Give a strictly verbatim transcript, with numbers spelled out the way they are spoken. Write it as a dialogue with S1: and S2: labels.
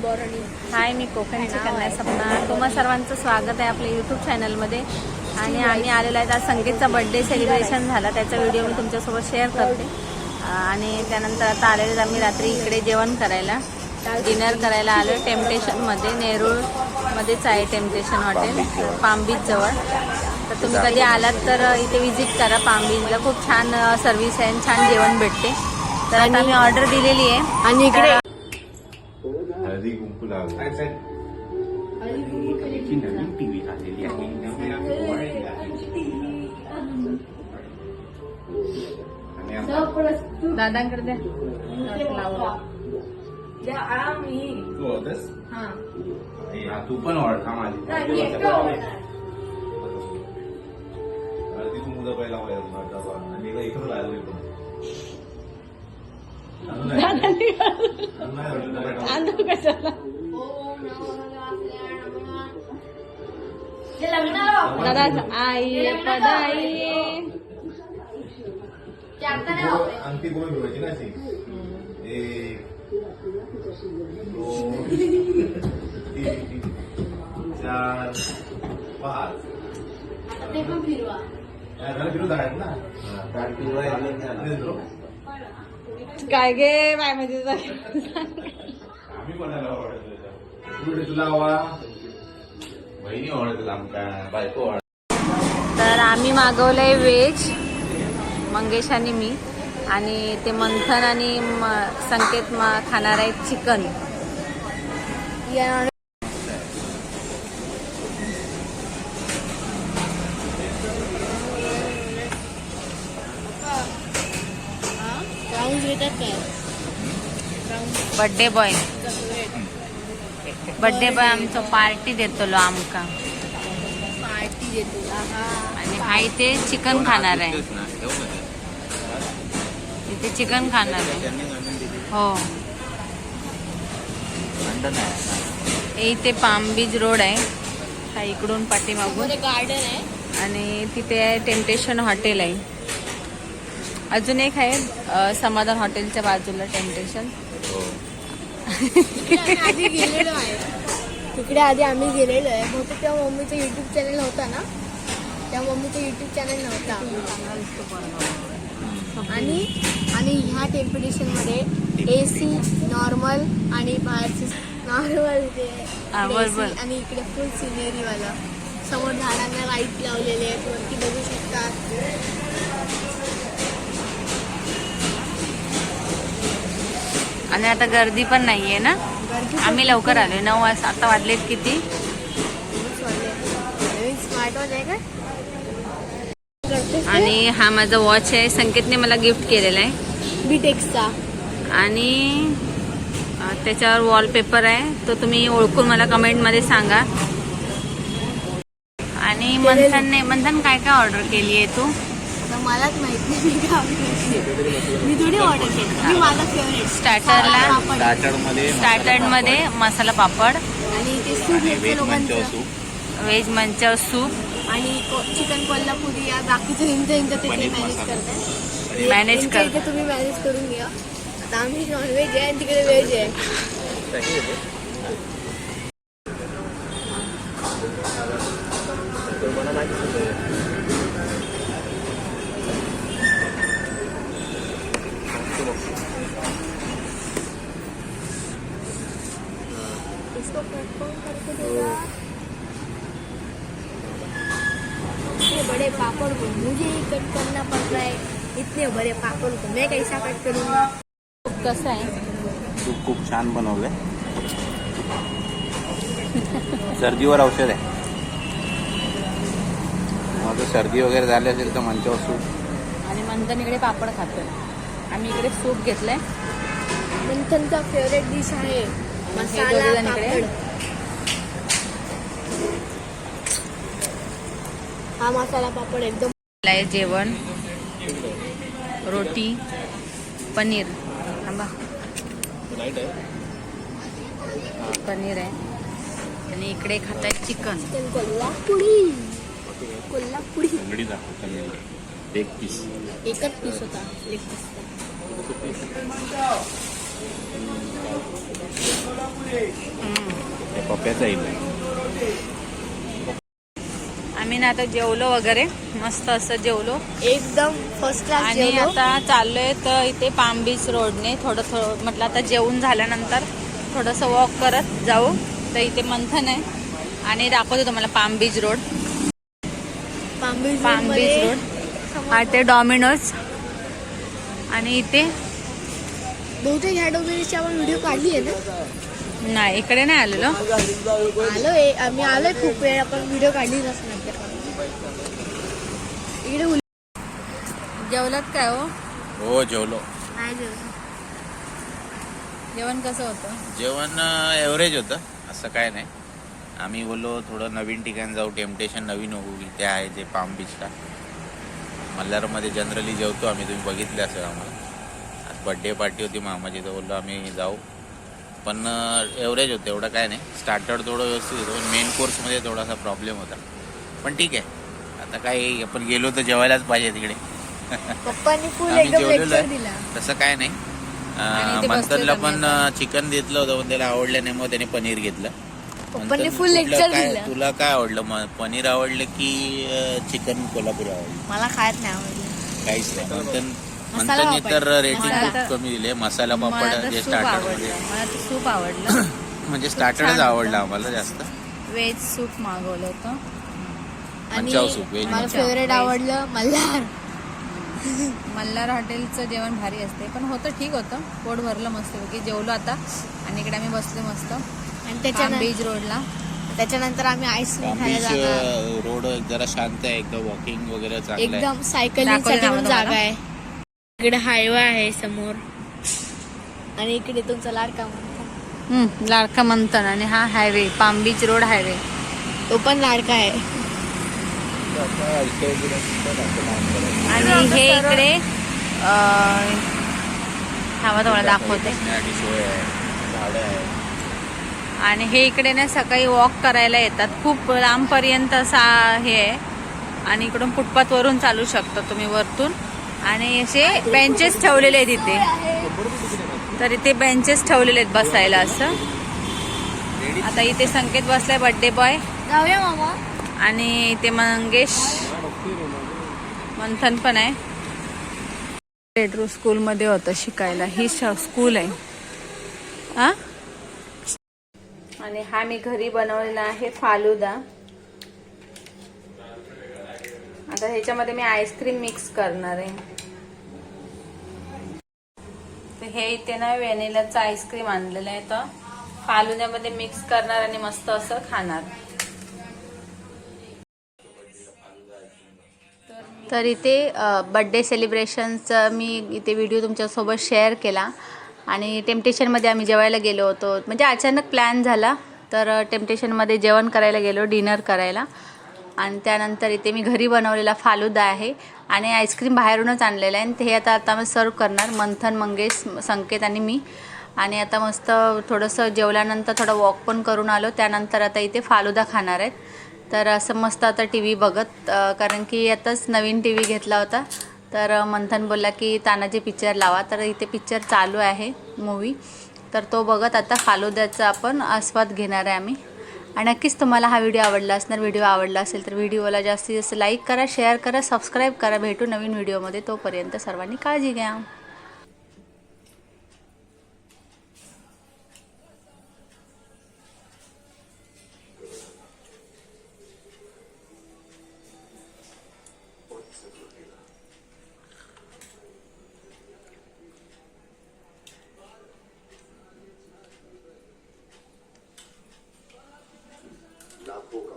S1: हाय, मी कोकणची कन्या सपना. तुम्हा सर्वांचं स्वागत आहे आपल्या यूट्यूब चॅनलमध्ये. आणि आम्ही आलेलो आहे, आज संगीतचा बर्थडे सेलिब्रेशन झाला, त्याचा व्हिडिओ मी तुमच्यासोबत शेअर करते. आणि त्यानंतर आता आलेले आम्ही रात्री इकडे जेवण करायला, डिनर करायला आलो टेम्पटेशनमध्ये. नेरूळमध्येच आहे टेम्पटेशन हॉटेल, पाम बीच जवळ. तर तुम्ही कधी आलात तर इथे विजिट करा. पाम बीचला खूप छान सर्व्हिस आहे आणि छान जेवण भेटते. तर आता मी ऑर्डर दिलेली आहे. आणि इकडे
S2: हळदी कुंकू लावलं. नवीन टीव्ही आलेली आहे.
S1: दादांकडे द्या.
S2: तू पण ओळखा माझी हळदी कुंकू पहिला आणि इकडं लागले पण
S1: दादा आई पदाई
S2: अंगठी कोण ठेवायची ना अशी. एक दोन तीन चार पाच फिरू जाणार ना.
S1: काय गे बाय म्हणजे
S2: आम्ही कोणाला ओळखलं तुला हवा बहिणी ओळखलं आमका बायको ओळख.
S1: तर आम्ही मागवलंय व्हेज, मंगेश आणि मी. आणि ते मंथन आणि संकेत खाणार आहेत chicken. Birthday boy birthday boy आमचं पार्टी देतो लो आमका.
S3: पार्टी देतो.
S1: आणि हा इथे चिकन खाणार आहे. इथे चिकन खाणार आहे. हो, इथे पाम बीच रोड आहे हा, इकडून पाठीमागून
S3: गार्डन आहे.
S1: आणि तिथे टेम्पटेशन हॉटेल आहे. अजून एक आहे समाधान हॉटेलच्या बाजूला टेम्पटेशन.
S3: आधी गेलेलो आहे तिकडे. आधी आम्ही गेलेलो आहे. बहुतेक तेव्हा मम्मीचं युट्यूब चॅनल होता ना, त्या मम्मीचं युट्यूब चॅनल नव्हता. आणि आणि ह्या टेम्पटेशनमध्ये ए सी नॉर्मल आणि बाहेरचे नॉर्मल ते आणि इकडे फुल सिनेरीवाला. समोर झाडांना लाईट लावलेले आहेत, वरती बघू शकतात.
S1: आणि आता गर्दी पण नाहीये ना. आम्ही लवकर आलोय, नऊ वाजता. आता वाजलेत किती?
S3: स्मार्ट वॉच आहे का?
S1: आणि हा माझा वॉच आहे, संकेतने मला गिफ्ट केलेला आहे
S3: बीटेक्सचा.
S1: आणि त्याच्यावर वॉलपेपर आहे, तो तुम्ही ओळखून मला कमेंटमध्ये सांगा. आणि मंथनने मंथन काय काय ऑर्डर केली आहे तू?
S3: मलाच माहित नाही मी काय मी थोडी ऑर्डर केली. मी माझा फेवरेट
S1: स्टार्टरला
S2: स्टार्टरमध्ये
S1: स्टार्टरमध्ये मसाला पापड
S3: आणि ते सूप,
S1: व्हेज मंचव सूप
S3: आणि चिकन कोल्हापुरी. या बाकीचं हिंच हिंच ते मॅनेज करतात.
S1: मॅनेज कर.
S3: इथे तुम्ही मॅनेज करून घ्या. आता आम्ही नॉनव्हेज आहे आणि तिकडे व्हेज आहे. इसको कट करके देगा. इतने बड़े पापड़ को मुझे ही कट करना पड़ रहा है. इतने बड़े पापड़ को मैं कैसा कट करूँगा?
S1: कसं आहे?
S2: तूप खूप छान बनवलंय. सर्दीवर औषध आहे. मग सर्दी वगैरे झाली असेल तर मंचावर सूप.
S1: आणि मंथन इकडे पापड खातोय, आम्ही इकडे सूप घेतलंय.
S3: मंथनचा फेवरेट डिश आहे मसाला पापड. हा मसाला पापड एकदम
S1: जेवण, रोटी, पनीर. थांबा, पनीर आहे. आणि इकडे खाताय चिकन.
S3: कोल्हापुरी कोल्हापुरी
S2: अंगडी दाखव. एक पीस
S3: एकच पीस होता. एक पीस
S2: हे पप्प्याचा येईल.
S1: आम्ही ना आता जेवलो वगैरे, मस्त असं जेवलो
S3: एकदम फर्स्ट क्लास
S1: आणि
S3: जेवलो.
S1: आता चाललोय तर इथे पाम बीच रोडने थोडं थोडं म्हटलं आता जेवून झाल्यानंतर थोडंसं वॉक करत जाऊ. तर इथे मंथन आहे आणि दाखवतो तुम्हाला palm beach road.
S3: Palm beach
S1: palm
S3: मध्ये
S1: बीच रोड हा ते डॉमिनोज आणि इथे
S3: बहुतेक ह्या डोमेनची आपण व्हिडिओ काढली आहे ना.
S1: नाही इकडे नाही आलेलो.
S3: आलोय आम्ही आलोय खूप वेळ, आपण व्हिडिओ काढली नसणार इकडे. उल-
S1: जेवलात काय हो?
S2: हो जेवलो.
S3: नाही जेवलो.
S1: जेवण कसं होतं?
S2: जेवण एव्हरेज होतं, असं काय नाही. आम्ही बोललो थोडं नवीन ठिकाण जाऊ, टेम्पटेशन नवीन होऊ. इथे आहे जे पाम बीचला. मल्हारमध्ये जनरली जेवतो आम्ही, तुम्ही बघितले असेल आम्हाला. आज बड्डे पार्टी होती मामाची, तर बोललो आम्ही जाऊ. पण एव्हरेज होतं, एवढं काय नाही. स्टार्टर थोडं व्यवस्थित होतं, पण मेन कोर्समध्ये थोडासा प्रॉब्लेम होता. पण ठीक आहे, आता काय आपण गेलो तर जेवायलाच पाहिजे तिकडे.
S3: पप्पांनी फुल
S2: आम्ही
S3: एकदम
S2: जेवलेलो
S3: लेक्चर
S2: आहे.
S3: दिला.
S2: तसं काय नाही.
S1: आणि ते
S2: मंथनला
S1: बसलेत
S2: पण
S1: आम्ही
S2: चिकन घेतलं होतं, पण त्याला आवडलं नाही, मग त्याने पनीर घेतलं.
S3: पप्पांनी
S2: मंथन,
S3: फुल
S2: कुठलं
S3: लेक्चर
S2: काय-
S3: दिलं.
S2: तुला काय आवडलं? मग पनीर आवडलं की चिकन कोल्हापुरी आवडलं?
S3: मला खायला नाही आवडलं.
S2: काहीच नाही. मंथन
S3: मसाला
S2: मंथननी
S3: पापड.
S2: तर रेटिंग
S1: मसाला-
S2: खूप कमी दिले. मसाला
S1: मला
S2: पापड
S1: तर
S2: जे
S1: सूप
S2: स्टार्टर मध्ये
S1: आवडलं. मला तर सूप आवडलं.
S2: म्हणजे
S1: छान
S2: स्टार्टरच
S1: होतं.
S2: आवडलं आम्हाला जास्त.
S1: व्हेज सूप मागवलं होतं.
S3: आणि
S2: मंचाव सूप, व्हेज
S3: मला
S2: मंचाव.
S3: फेवरेट आवडलं मल्हार.
S1: मल्हार हॉटेलचं जेवण भारी असते, पण होतं ठीक होतं. पोट भरलं मस्त की जेवलो आता आणि इकडे आम्ही बसलो मस्त
S3: आणि
S1: पाम
S3: त्याच्यानंतर
S1: बीच रोडला.
S3: त्याच्यानंतर आम्ही आईस्क्रीम
S2: पाम
S3: खायला
S2: बीच
S3: जाणार.
S2: रोड जरा शांत आहे, एकदम वॉकिंग वगैरे चांगलं आहे.
S3: एकदम सायकलिंगसाठी
S1: दाखवलं
S3: पण
S1: ना
S3: जागा
S1: तुम्हाला?
S3: आहे. इकडे हायवे आहे समोर आणि इकडे तुमचा लाडका मंथन.
S1: हम्म, लाडका मंथन आणि हा highway palm beach road highway.
S3: तो पण लाडका आहे.
S1: आणि हे इकडे अं, थांबा तुम्हाला दाखवते.
S2: बसण्यासाठी सोय आहे, झाडं आहे.
S1: आणि हे इकडे ना सकाळी वॉक करायला येतात. खूप लांबपर्यंत असा हे आहे आणि इकडून फुटपाथ वरून चालू शकता तुम्ही वरतून. आणि असे बेंचेस ठेवलेले आहेत इथे. तर इथे बेंचेस ठेवलेले आहेत बसायला असं. आता इथे संकेत बसलाय बर्थडे बॉय
S3: जाऊया मामा.
S1: आणि इथे मंगेश मंथन पण आहे. पेट्रो स्कूलमध्ये होतं शिकायला. ही स्कूल आहे हा. आणि हा मी घरी बनवलेला आहे फालुदा. आता ह्याच्यामध्ये मी आईस्क्रीम मिक्स करणार आहे. तर हे इथे ना व्हॅनिलाचं आईस्क्रीम आणलेलं आहे, तर फालुद्यामध्ये मिक्स करणार आणि मस्त असं खाणार. तर इथे बड्डे सेलिब्रेशनचा मी इथे व्हिडिओ तुमच्यासोबत शेअर केला. आणि टेम्पटेशनमध्ये आम्ही जेवायला गेलो होतो. म्हणजे अचानक प्लॅन झाला, तर टेम्पटेशनमध्ये जेवण करायला गेलो, डिनर करायला. आणि त्यानंतर इथे मी घरी बनवलेला फालुदा आहे आणि आईस्क्रीम बाहेरूनच आणलेलं आहे. आणि ते आता आता मी सर्व करणार, मंथन, मंगेश, संकेत आणि मी. आणि आता मस्त थोडंसं जेवल्यानंतर थोडं वॉक पण करून आलो. त्यानंतर आता इथे फालुदा खाणार आहेत. तर असं मस्त आता टी व्ही बघत, कारण की आताच नवीन टी व्ही घेतला होता. तर मंथन बोलला की तानाजी पिक्चर लावा. तर इथे पिक्चर चालू आहे, मूवी. तर तो बघत आता फालुद्याचा आपण आस्वाद घेणार आहे आम्ही. आणि नक्कीच तुम्हाला हा व्हिडिओ आवडला असणार. व्हिडिओ आवडला असेल तर व्हिडिओला जास्तीत जास्त लाईक करा, शेअर करा, सबस्क्राईब करा. भेटू नवीन व्हिडिओमध्ये. तोपर्यंत सर्वांनी काळजी घ्या.
S4: लाखों का